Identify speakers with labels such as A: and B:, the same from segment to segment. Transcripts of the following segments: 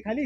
A: खाली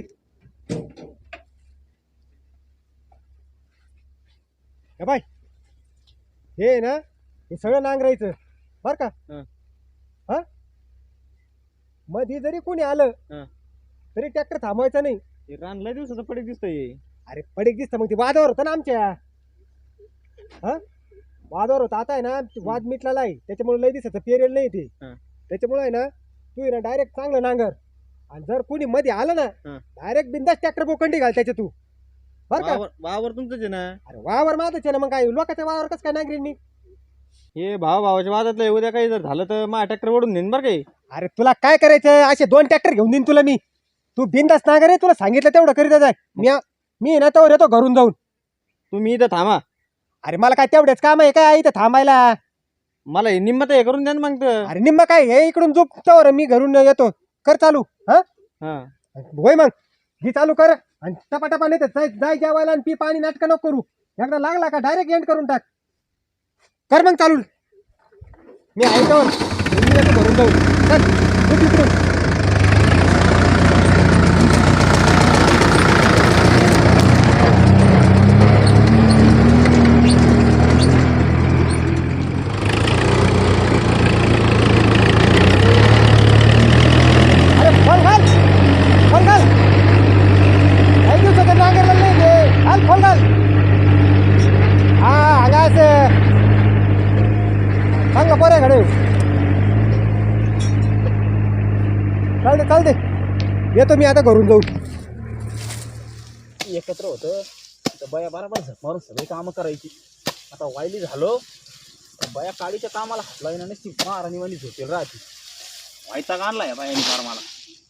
A: बाय हे ना हे सगळं नांगरायचं बर का हा मध्ये जरी कोणी आलं तरी ट्रॅक्टर थांबवायचा नाही
B: रान लय दिवसाचं पडीक दिसतंय
A: अरे पडीक दिसतं मग ते वादावर होतं ना आमच्या हा वादावर होतं आता आहे ना वाद मिटलेला आहे त्याच्यामुळे लय दिसायचं पेरेल नाही ते त्याच्यामुळे आहे ना तू आहे ना डायरेक्ट चांगलं नांगर आणि जर कोणी मध्ये आलं ना डायरेक्ट बिंदास ट्रॅक्टर बोकंडी घाल त्याच्या तू बर का
B: वावर तुमचंच आहे ना
A: अरे वावर माझंच आहे ना मग काय लोकांच्या वावर कसं काय नांगरीन मी
B: हे भावाच्या वादातलं उद्या काही जर झालं तर माझ्या ट्रॅक्टर ओढून नेन बरं काही
A: अरे तुला काय करायचं असे 2 ट्रॅक्टर घेऊन देईन तुला मी तू बिंदास नांगर आहे तुला सांगितलं तेवढं करीत जाय मी ना तर येतो घरून जाऊन
B: तुम्ही इथं थांबा
A: अरे मला काय तेवढेच काम आहे काय इथं थांबायला
B: मला हे निम्मत हे करून द्या ना मग
A: अरे निम्मा काय हे इकडून झोपतो मी घरून येतो कर चालू हा होय मग ही चालू कर आणि टपाटपा नाही तर जाय जेवायला आणि पी पाणी नाटकं नको करू एकदा लागला का डायरेक्ट एंड करून टाक कर मग चालू मी ऐकतो घरून जाऊ चल उठ इकडून चालते येतो मी आता घरून जाऊ
B: एकत्र होतं तर बया बरोबर मारून सगळी कामं करायची आता वायली झालो बया काळीच्या कामाला हातला येणार नसती महाराणी वाणी झोपेल राहते व्हायचा आणलाय बायानी फार मला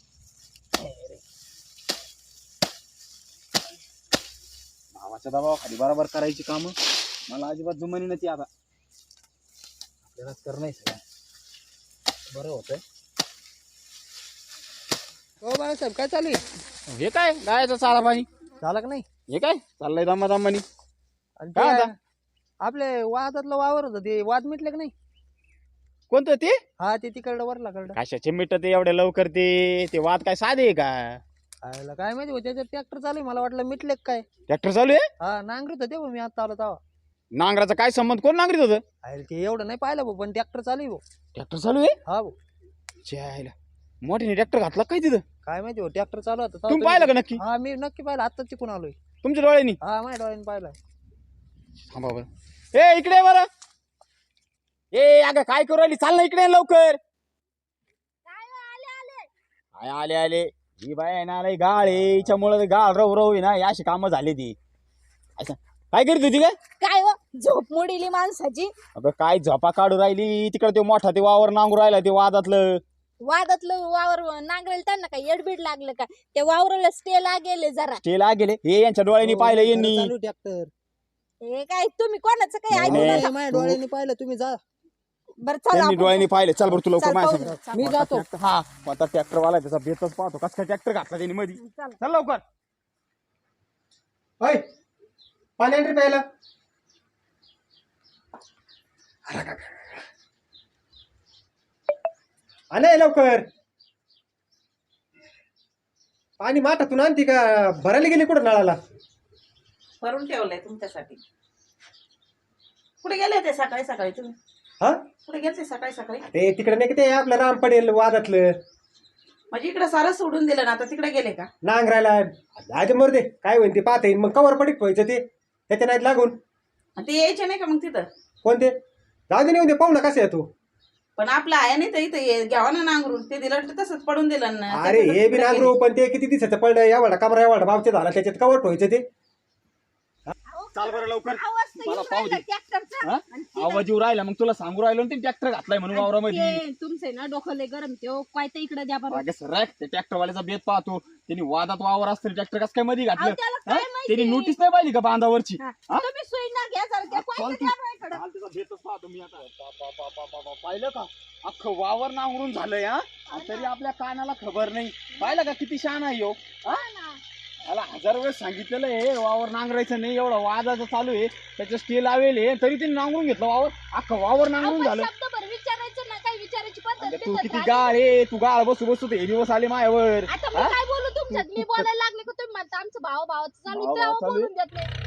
B: भावाच्या दबावाखाली बरोबर करायची कामं मला अजिबात जुमानी नव्हती आता आपल्यालाच करणं सगळं बरं होतंय
A: हो बाळासाहेब काय चालू आहे
B: हे काय गायचं चाला पाणी
A: झालं का नाही
B: हे काय चाललंय दमा दमानी
A: आणि
B: काय
A: ते
B: आता?
A: आपले वादातलं वावर होतं ते वाद मिटले का नाही
B: कोणतं ते
A: हा ते तिकडं वरला कडं
B: कशाचे मिटत एवढ्या लवकर ते वाद काय साधे आहे का
A: आयला काय माहिती हो त्याच्यात ट्रॅक्टर चालू आहे मला वाटलं मिटले का काय
B: ट्रॅक्टर चालू आहे
A: हा नांगरत होते भाऊ मी आता आलो तेव्हा
B: नांगराचा काय संबंध कोण नांगरीत होतं
A: आयला ते एवढं नाही पाहिलं भाऊ पण ट्रॅक्टर चालू आहे भाऊ
B: ट्रॅक्टर चालू आहे
A: हा भाऊ
B: जायला मोठ्याने ट्रॅक्टर घातला काय तिथं
A: काय माहिती हो ट्रॅक्टर चालू होता तेव्हा
B: तुम्ही पाहिलं का नक्की
A: हा मी नक्की पाहिलं आता तिकून आलोय
B: तुमच्या डोळ्यांनी
A: हा माझ्या डोळ्याने पाहिलं
B: थांबा बरं ए इकडे बरं ए अगं काय करू राहिली चाल ना इकडे ये लवकर काय आले आले ही बाय आहे ना लय गाळ आहे हिच्यामुळे गाळ रव रव आहे ना ही अशी कामं झाली ती अच्छा काय करीत होती काय
C: काय हो झोप मोडीली माणसाची
B: अगं काय झोपा काढू राहिली तिकडे ते मोठा ते वावर नांगरू राहिला ते वादातलं
C: वादातलं वावर नांगरेल त्यांना काय येडबीड लागलं का त्या वावराला स्टे लागेल जरा
B: ते गेले हे यांच्या डोळ्यांनी पाहिलं यांनी
A: चालू ट्रॅक्टर
C: हे काय तुम्ही कोणाचं काही
B: नाही,
C: ऐकू
B: नाही.
C: नका.
A: माझ्या डोळ्याने पाहिलं तुम्ही जा
C: बरं चला
B: त्यांनी
C: आपण
B: डोळ्यांनी पाहिलं चल बरं तुला
C: चल,
B: माझ्या
C: पाहू
B: संग.
C: ना.
A: मी जातो
B: हा आता ट्रॅक्टर वाला त्याचा बेतच पाहतो कस काय ट्रॅक्टर घातला त्यांनी मध्ये
C: चला.
B: चल लवकर
A: होय पाणी आणली प्यायला आणे लवकर पाणी माठातून आणती का भरायला गेली कुठं नळाला
D: भरून ठेवलंय तुमच्यासाठी कुठे गेले ते सकाळी सकाळी तुम्ही
A: हा
D: कुठे गेले सकाळी सकाळी
A: ते तिकडे नाही का ते आपलं राम पडेल वादातलं
D: म्हणजे इकडे सारं सोडून दिलं ना आता तिकडे गेले का
A: नांगरायला आज मरदे काय होईल ते पाहता येईल मग कवर पडीक व्हायचं ते त्याच्या नाहीत लागून
D: आणि ते यायचे नाही का मग तिथं
A: कोणते जाऊ दे नेऊन दे पाहू ना कसं आहे तू
D: पण आपलं आहे नाही तर इथं घ्यावा ना नांगरून ते दिलं तर तसंच पडून दिलं ना
A: अरे हे बी नांगरू पण ते किती दिवसाचं पडलं एवढा कमरा एवढा भावचे झाला त्याच्यात कवर ठेवायचं ते
B: चाल बरं लवकर
C: आवाज तर
B: मला
C: येऊन
B: पाहू दे.
C: राहिला ट्रॅक्टरचा.
B: हा?
C: आणि ते
B: आवाज येऊ राहिला मग तुला सांगू राहिलो ना ते ट्रॅक्टर घातलाय म्हणून वावरामध्ये
C: ते तुमचे ना डोकं लय गरम ते ओ, काय ते इकडे द्या बरं
B: अगं सरक ते ट्रॅक्टर वाल्याचा बेत पाहतो त्यांनी वादात वावर असतं ट्रॅक्टर कसं काय मध्ये
C: अहो,
B: घातलं
C: त्याला
B: हा?
C: काय माहिती?
B: त्यांनी नोटीस नाही पाहिली का बांधावरची
C: हा.
B: हा?
C: तुम्ही सुई ना घ्या जरा त्या
B: चाल
C: कोयत्या
B: तू.
C: द्या बरं इकडं.
B: चाल त्याचा बेतच पाहतो मी आता पाहिलं का अख्खं वावर नांगरून झालंय हा आणि तरी आपल्या कानाला खबर नाही पाहिलं का किती शान आहे ह्यो हा? मला 1000 वेळेस सांगितलेलं आहे वावर नांगरायचं नाही एवढं वादाचं चालू आहे त्याचं स्टे लावेल आहे तरी त्यांनी नांगरून घेतलं वावर अख्खं वावर नांगरून
C: अहो,
B: झालं
C: पण शब्दभर विचारायचं ना काय विचारायची पद्धत
B: अगं तू
C: बिद्धत
B: किती
C: झाली.
B: गाळ आहे तू गाळ बसू बसू ते हे दिवस आले मायावर
C: आता
B: हा?
C: मी काय बोलू तुमच्यात मी बोलायला लागले का तुम्ही म्हणता आमचं भावाचं चालू
B: भाव
C: तेव्हा
B: चालू आहे.
C: बोलून देत नाही.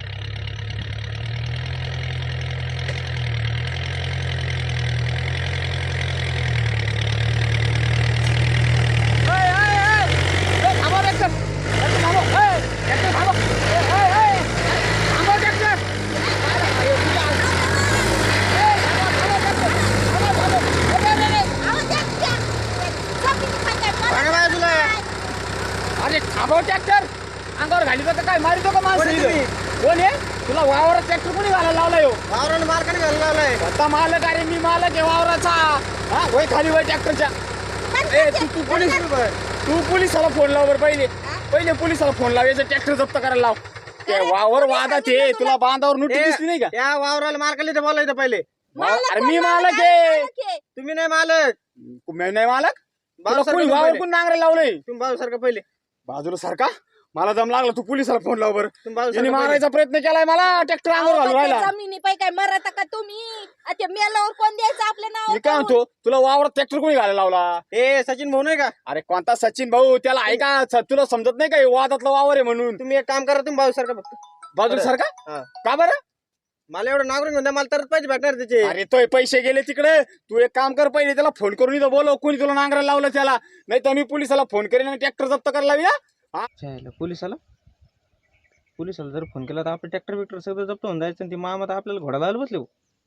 C: अहो, त्या जमिनी खात्यात मला काय?
B: अरे थांबव ट्रॅक्टर अंगावर घाली तर काय मारितो का माणसं इथं? कोण आहे तुला वावरात ट्रॅक्टर कोणी घालायला लावलाय हो?
A: वावराला मार्केट घालायला लावलाय.
B: स्वतः मालक अरे मी मालक आहे वावराचा हा वय खाली वय ट्रॅक्टरच्या ए तू पोलिसाला फोन लाव बरं पहिले पोलिसाला फोन लाव याचं ट्रॅक्टर जप्त करायला लाव ते वावर वादात आहे तुला बांधावर नोटीस दिसली नाही का
A: त्या वावराला मार्केटला बोलायचं पहिले.
C: मालक
B: अरे मी
C: कोण
B: मालक आहे
C: मालक आहे?
A: तुम्ही नाही मालक.
B: मी नाही मालक तुला
A: भाऊ
B: कोणी
A: सारखं
B: वावर
A: पहिले.
B: कोण नांगरायला लावलंय
A: तुम्ही भाऊ सारखं पहिले.
B: बाजूला सारखा मला दम लागला तू पोलिसाला फोन लाव बरं
A: तुम्ही भाऊ
B: यांनी
A: सारखं पहिले.
B: मारायचा प्रयत्न केलाय मला ट्रॅक्टर अंगावर
C: अहो,
B: घालून
C: पण त्या
B: राहिला
C: जमिनी पाय काय मरत का तुम्ही आता मेल्यावर कोण द्यायचं आपल्या
B: मी काय
C: नाव
B: म्हणतो तुला वावरात ट्रॅक्टर कोणी घालायला लावला
A: ए सचिन भाऊ नाही का
B: अरे कोणता सचिन भाऊ त्याला ऐका तुला समजत नाही का हे वादातलं वावर आहे म्हणून
A: तुम्ही एक काम करा तुम्ही भाऊ सारखं फक्त.
B: बाजूला सारखा
A: हा.
B: का बरं
A: मला एवढं नागरिक म्हणता मला तरच पाहिजे भेटणार त्याचे.
B: अरे तो पैसे गेले तिकडे तू एक काम कर पहिले त्याला फोन करून इथं बोलव कोणी तुला नांगरायला लावलं त्याला नाही तर मी पोलिसाला फोन करेन आणि ट्रॅक्टर जप्त करायला लावूया
E: पोलिसाला जर फोन केला तर आपलं ट्रॅक्टर बिक्टर सगळं जप्त होऊन जायचं आणि ती मामा तर आपल्याला घोडा लावलं बसले.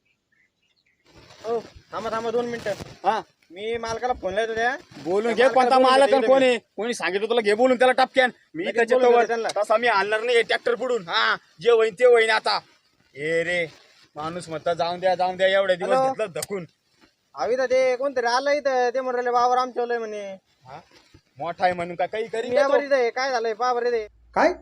A: हो थांबा 2 मिनिटं.
B: हा
A: मी मालकाला फोन लावतो त्या.
B: बोलून
A: त्या
B: घे कोणता
A: मालकाला
B: मालक
A: बोलून
B: आणि
A: घे
B: कोणी कोणी सांगितलं तुला घे बोलून त्याला टपक्यान मी
A: लगेच
B: त्याच्या
A: बोलून
B: तोवर
A: घे त्यांना.
B: तसा मी आणणार नाही ट्रॅक्टर पुढून हा जे होईन ते होईन आता ए रे माणूस म्हणता जाऊन द्या एवढ्या दिवस
A: हॅलो?
B: घेतलं धकून
A: हवी तर ते कोणतरी आलं इथं ते म्हणले वावर आमच्या म्हणे.
B: हा मोठा आहे म्हणून का काही करी
A: मी यावर इथं आहे. काय झालंय पहा बरं ते.
F: काय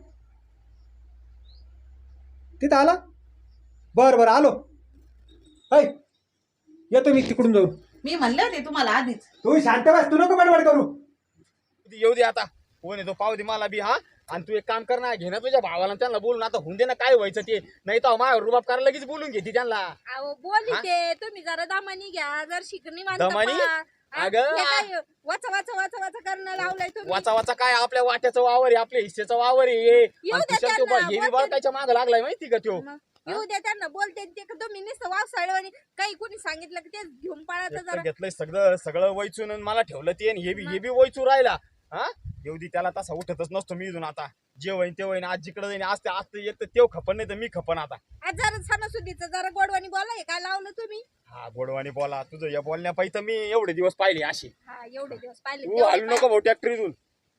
F: तिथं आला बर आलो. ऐ येतो मी तिकडून जाऊन.
D: मी म्हणले होते तुम्हाला आधीच.
F: तू शांत बस तू नको बडबड करू.
B: येऊ दे आता कोण येतो पाहू दे मला बी हा आणि तू एक काम कर ना घे ना तुझ्या भावाला त्यांना बोलून आता होऊन दे ना काय व्हायचं ते नाही तर माझ्यावर रुबाब करायला लगेच बोलून घेते त्यांना
C: अहो बोलली ते तुम्ही जरा दामानी घ्या जर शिकणी
B: दमानी? अगं.
C: वाचा करणं लावलंय तुम्ही.
B: वाचा वाचा काय आपल्या वाट्याचं वावर आहे आपल्या हिस्सेचं वावर आहे
C: येऊ
B: आणि
C: द्या
B: तुझ्या तो
C: त्यांना,
B: हे बी
C: बोलते.
B: त्याच्या माग लागलाय माहिती का त्यो
C: मग येऊ द्या त्यांना बोलते ते का तुम्ही नुसतं वावसाळवानी काही कोणी सांगितलं की तेच घेऊन पळायचं
B: एकटं
C: जरा.
B: घेतलंय सगळं वैचून आणि मला ठेवलं ते आणि हे बी वैचू राहिला हा येऊ दे त्याला तसा उठतच नसतो मी इथून आता जे होईन ते होईन आज जिकडे जाईन आज ते एक तर तेव खपन नाही तर मी खपन आता
C: आज जरा सणासुदीचं जरा गोडवानी बोला हे काय लावलं तुम्ही.
B: हा गोडवानी बोला तुझं या बोलण्या पाहिजे मी एवढे दिवस पाहिले अशी
C: हा एवढे दिवस पाहिले
B: तू हलू नको भाऊ ट्रॅक्टरीतून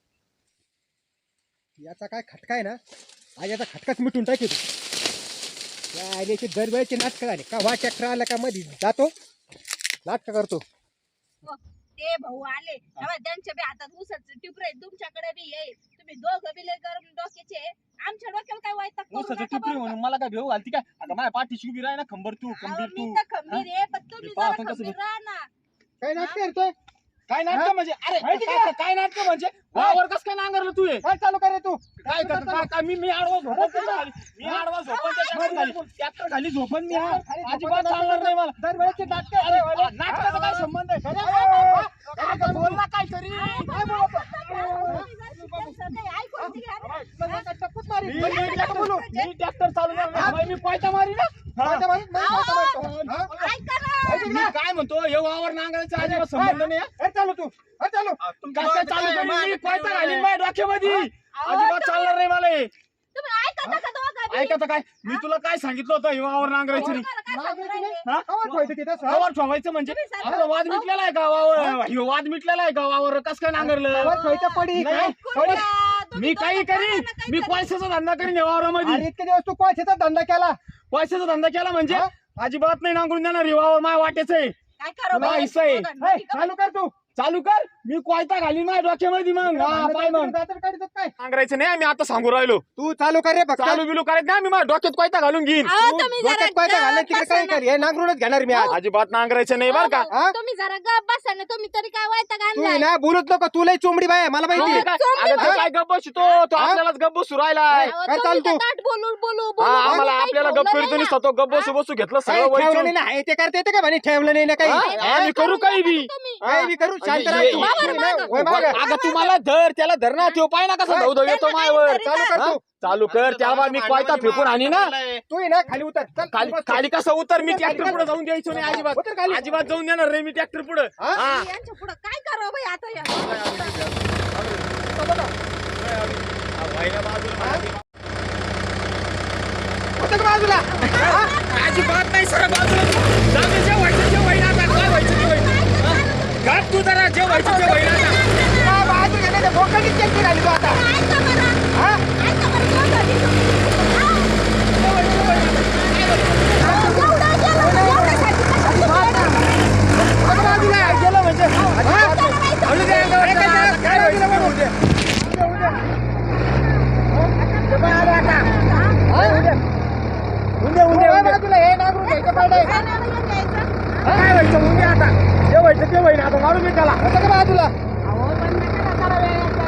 F: याचा काय खटका आहे ना आज याचा खटकाच मिटून टाकी तू. या आल्याचे दरवेळेचे नाटकं झाले का वा ट्रॅक्टर आला का मध्ये जातो नाटक करतो.
C: ते भाऊ आले तेव्हा त्यांच्या बी हातात उसाचं टिपरे तुमच्याकडे बी ये तुम्ही दोघं बी लय गरम डोक्याचे आमच्या डोक्याला काय वैताग करू
B: ऊसाचं
C: नका
B: टिपरी
C: बरं
B: म्हणून मला काय भेऊ घालती काय आता माझ्या पाठीशी उभी राह ना खंबर तू
C: का?
B: खंबीर
C: अहो,
B: तू
C: मी तर खंबीर आहे पण तुम्ही
B: अरे पहा
C: जरा
B: आपण कसं
C: खंबीर राहा ना.
F: काय नाटक करतोय
B: काय नाटक म्हणजे अरे
F: माहिती
B: काय नाटक म्हणजे वावर कस काय नांगरलं तू हे?
F: काय चालू करे तू
B: काय करतो काय मी आडवा झोपन त्याच्या खाली मी आडवा झोपन त्याच्या खाली ट्रॅक्टर खाली झोपन मी अजिबात चालणार नाही मला
F: दरवेळेचे नाटक
B: अरे नाटकाचा काय संबंध आहे अरे बोल ना काय तरी
F: काय बोलतो
C: त्यांचं काही ऐकून घ्या.
B: मी ट्रॅक्टर चालू मी पायता मारी ना
C: ऐका ना.
B: मी काय म्हणतो हे वावर नांगरायचा अजिबात संबंध नाही हा.
F: चालू तू चालू
B: काय चालू करीन मी पायता घालीन माझ्या डोक्यामध्ये अजिबात चालणार नाही मला हे.
C: तुम्ही ऐकता का दोघं बी?
B: ऐकत काय मी तुला काय सांगितलं होतं हे वावर नांगरायचं नाही
C: तुम्हाला काय सांगू राहिले?
B: हा? वावर ठेवायचं म्हणजे आपला वाद मिटलेला आहे का वावर ह्यो वाद मिटलेला आहे का वावर कस काय नांगरलं
F: पडी
B: नाही.
C: कुठल्या? तुम्ही
B: मी काही
C: दोघं
B: करीन
C: जणांना
B: मी
C: काही
B: पैशाचा धंदा करीन या वावरामध्ये
F: इतके दिवस तू कोळशाचा धंदा केला
B: पैशाचा धंदा केला म्हणजे अजिबात नाही नांगरून देणार हे वावर माझ्या वाट्याचं आहे
C: काय करू
B: तुला
C: बाई?
B: हिस्सा आहे.
C: दोघांना ठीक आहे.
F: चालू कर तू
B: चालू कर मी कोयता घालीन माझ्या डोक्यामध्ये मग हा पाय मग
F: काय
B: नांगरायचं नाही आम्ही आता सांगू राहिलो
F: तू चालू कर रे फक्त
B: चालू बिलू करायचं नाही मी माझ्या डोक्यात कोयता घालून घेईन
C: अहो, तुम्ही जरा
F: डोक्यात कोयता घालणं तिकडे
C: गप्प
F: काय
C: बसा
F: कर हे नांगरूनच घेणार मी आज
B: अजिबात नांगरायचं नाही बरं का
C: ना.
F: हा?
C: तुम्ही जरा गप बसा ना तुम्ही तरी काय वैताग
F: तू
C: आणलाय.
F: ना बोलत नको तू लय चोंबडी बाय मला माहिती
B: अगं
F: आहे.
B: तो काय गप्प बसतो तो आपल्यालाच गप्प बसू राहिलाय
C: अहो,
F: काय
C: तुम्ही
F: चालतो?
C: तर ताट बोलू बोलू
B: हा,
C: बोलू
B: आम्हाला
C: काही
B: आपल्याला
C: ठेवलं
B: गप्प
C: नाही
B: करीत
C: ना.
B: तो गप्प बसू बसू घेतलं
F: काही
B: सगळं
F: ठेवलं
B: वैचून.
F: नाही ना हे ते करता येते का म्हणे ठेवलं नाही ना काही
B: हा? आम्ही करू काही बी
C: तुम्ही
F: काही बी करू शांत
B: हे-
F: राहा तू.
C: बरं मागं.
A: वय मागं.
B: अगं तुम्हाला धर त्याला धर ना तो पाय ना कसा धव धव येतो मायावर
A: चालू कर तू.
B: चालू कर त्याला मी कोयता फेकून आणि ना
A: तू ये ना खाली उतर चल
B: खाली खाली कसं उतर मी ट्रॅक्टर पुढे जाऊन द्यायचो नाही
A: उतर
B: अजिबात
A: खाली.
B: अजिबात जाऊन देणार रे मी ट्रॅक्टर पुढे
A: हा?
C: यांच्या पुढं काय करावं बाई आता या
A: उतर बाजूला
B: अजिबात नाही सर बाजूला जाऊ दे, जे व्हायचं ते होईन आता काय व्हायचं ते होईन हा? घात तू जरा जे व्हायचं ते होईन आता
A: बाजूला नाही तर भोकाची चेक राहिली तू आता
C: ऐका बरं
A: हा?
C: ऐका बरं दोघं बी. एवढं गेलं, एवढ्यासाठी कशाला तुम्ही येणार?
A: उतर बाजूला गेलं म्हणजे
C: त्याला माहिती
A: आणू दे अंगावर
B: काय
A: त्याला. काय व्हायचं बघू.
B: व्हायचं
A: बाजूला हे नागरून घ्यायचं पडलंय.
C: काय नाही घ्यायचं.
B: काय व्हायचं उद्या आता जे व्हायचं ते होईन आता मारू मी त्याला
A: उतर बाजूला
C: अहो, पण नका ना करा वेळेचं.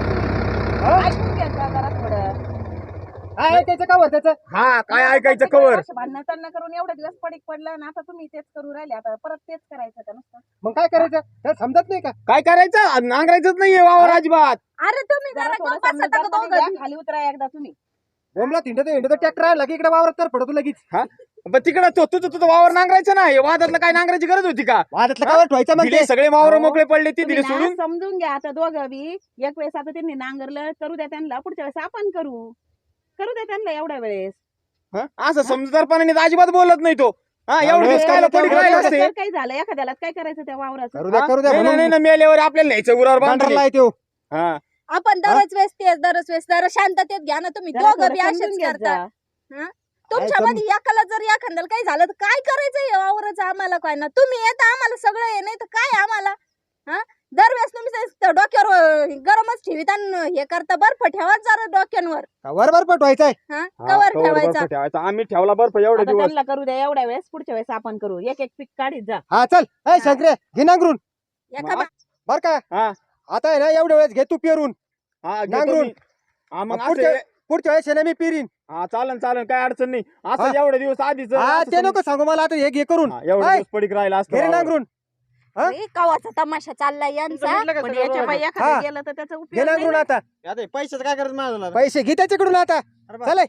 C: ऐकून घ्यायचं जरा थोडं.
A: काय ऐकायचं का वर त्याचं
B: हा काय ऐकायचं कवर
C: भांडण तंडण करून एवढे दिवस पडीक पडलं आणि आता तुम्ही तेच करू राहिले आता परत तेच करायचं का नुसतं
A: मग काय करायचं त्याला समजत नाही का
B: काय करायचं नांगरायचंच नाहीये वावर अजिबात
C: अरे तुम्ही जरा गप्प बसा का दोघं बी?
D: खाली उतरा एकदा तुम्ही
A: बोमला हिंडत ट्रॅक्टर आला की इकडे वावरात तर पडतो लगेच
B: हा पण तिकडं तो तुझं वावर नांगरायचं ना हे वादातलं काय नांगरायची गरज होती का
A: वादातलं कावर ठेवायचं मग
B: दिले
A: ते
B: सगळे वावर मोकळे पडले ती
D: तुम्ही
B: दिले
D: ना
B: सोडून
D: समजून घ्या आता दोघं बी एक वेळेस आता त्यांनी नांगरलं करू द्या त्यांना पुढच्या वेळेस आपण करू द्या त्यांना एवढ्या वेळेस
B: हा? असं समजदारपणाने तर अजिबात बोलत नाही तो हा एवढं दिवस काय पडीक राहिले असते
D: जर काही झालं एखाद्याला काय करायचं त्या वावराचं
A: करू द्या
B: हा?
A: करू द्या
B: नाही, नाही,
A: म्हणून
B: नाही, मेल्यावर आपल्याला न्यायचं उरावर बांधलेलं.
A: गंडरला आहे त्यो
B: हा
C: आपण दरच वेळेस तेच दरच वेळेस जरा शांततेत घ्या ना तुम्ही
D: जरा
C: दोघं
D: थोडं
C: बी
D: समजून
C: असेच
D: घेत
C: करता
D: जा.
C: तुमच्यामध्ये एकाला जर एखाद्याला काही झालं तर काय करायचं या वावराचं आम्हाला काय ना तुम्ही येता आम्हाला सगळं आहे नाही तर काय आम्हाला हा दरवेळेस तुम्ही ते डोक्यावर गरमच ठेवीत आणि हे करता बर्फ ठेवा जरा डोक्यांवर
A: वरभर पटवायचंय
C: हा
B: हा,
C: कवर
B: कवर
C: ठेवायचा
B: बर्फ ठेवायचा आम्ही ठेवला बर्फ एवढे
D: आता
B: दिवस
D: त्यांना करू द्या एवढ्या वेळेस पुढच्या वेळेस आपण करू एक एक पीक काढीत जा
A: हा चल ए शंकरे घे नांगरून
C: एका बा-
A: बर का
B: हा
A: आता आहे ना एवढ्या वेळेस घे तू पेरून
B: हा घेतो
A: नांगरून.
B: मी. हा मग
A: पुढच्या
B: असं
A: पुढच्या वेळेस आहे ना मी पेरीन
B: हा चालन चालन काय अडचण नाही असं
A: हा.
B: एवढे दिवस आधीच
A: हा
B: असं
A: ते नको सांगू मला आता हे घे करून
B: हा, एवढे
A: हाय.
B: दिवस पडीक राहिला असतं
A: घे रे
B: वावर.
A: नांगरून हा?
C: ए, कवाचा तमाशा चाललाय यांचा
D: पण याच्या बाई
A: हा.
D: एखाद्या गेलं तर त्याचा
A: घे
D: उपयोग नाही
A: नांगरून
D: ना.
A: आता
E: पैशाचं काय करायचं माझं
A: पैसे घे त्याच्याकडून आता चल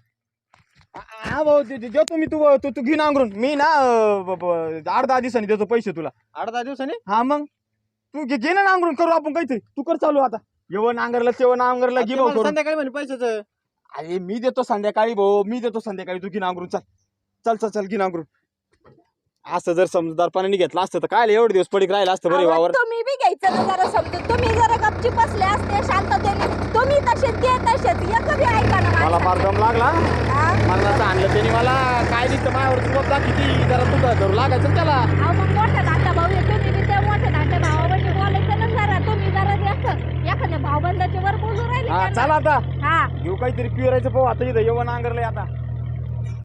B: हा भाऊ देतो मी तू तू तू घे नांगरून मी ना 8-10 दिवसांनी देतो पैसे तुला
E: 8-10 दिवसांनी
B: हा मग तू घे ना नांगरून करू आपण काहीतरी तू कर चालू आता येवं नांगरला तेव्हा नांगरला घे भाऊ करून
E: संध्याकाळी म्हणे पैशाचं
B: अरे मी देतो संध्याकाळी भाऊ मी देतो संध्याकाळी तू घे नांगरून चल चल चल चल घे नांगरून असं जर समजदारपणाने घेतलं असतं तर काय एवढे दिवस पडीक राहिला असतं बरे
C: अहो,
B: वावर
C: तुम्ही बी घ्यायचं ना जरा समजून तुम्ही जरा गपची बसले असते शांततेने तुम्ही तसेच ते तसेच एक बी ऐका ना
B: मला
C: माझं.
B: फार दम लागला
C: हा?
B: मला आणलं त्यांनी मला काय दिसतं माझ्यावर तुला किती जरा तुझं करू लागायचं ना त्याला
C: अहो, मग मोठा धाकटा भाऊ आहे तुम्ही बी त्या मोठ्या धाकट्या भावाबद्दल बोलायचं ना जरा तुम्ही जरा असं एखाद्या भाऊबंदाच्या वर बोलू राहिले
B: हा
C: त्यांना.
B: चला आता
C: हा
B: घेऊ काहीतरी पिरायचं पाहू आता इथं येऊन नांगरलंय आता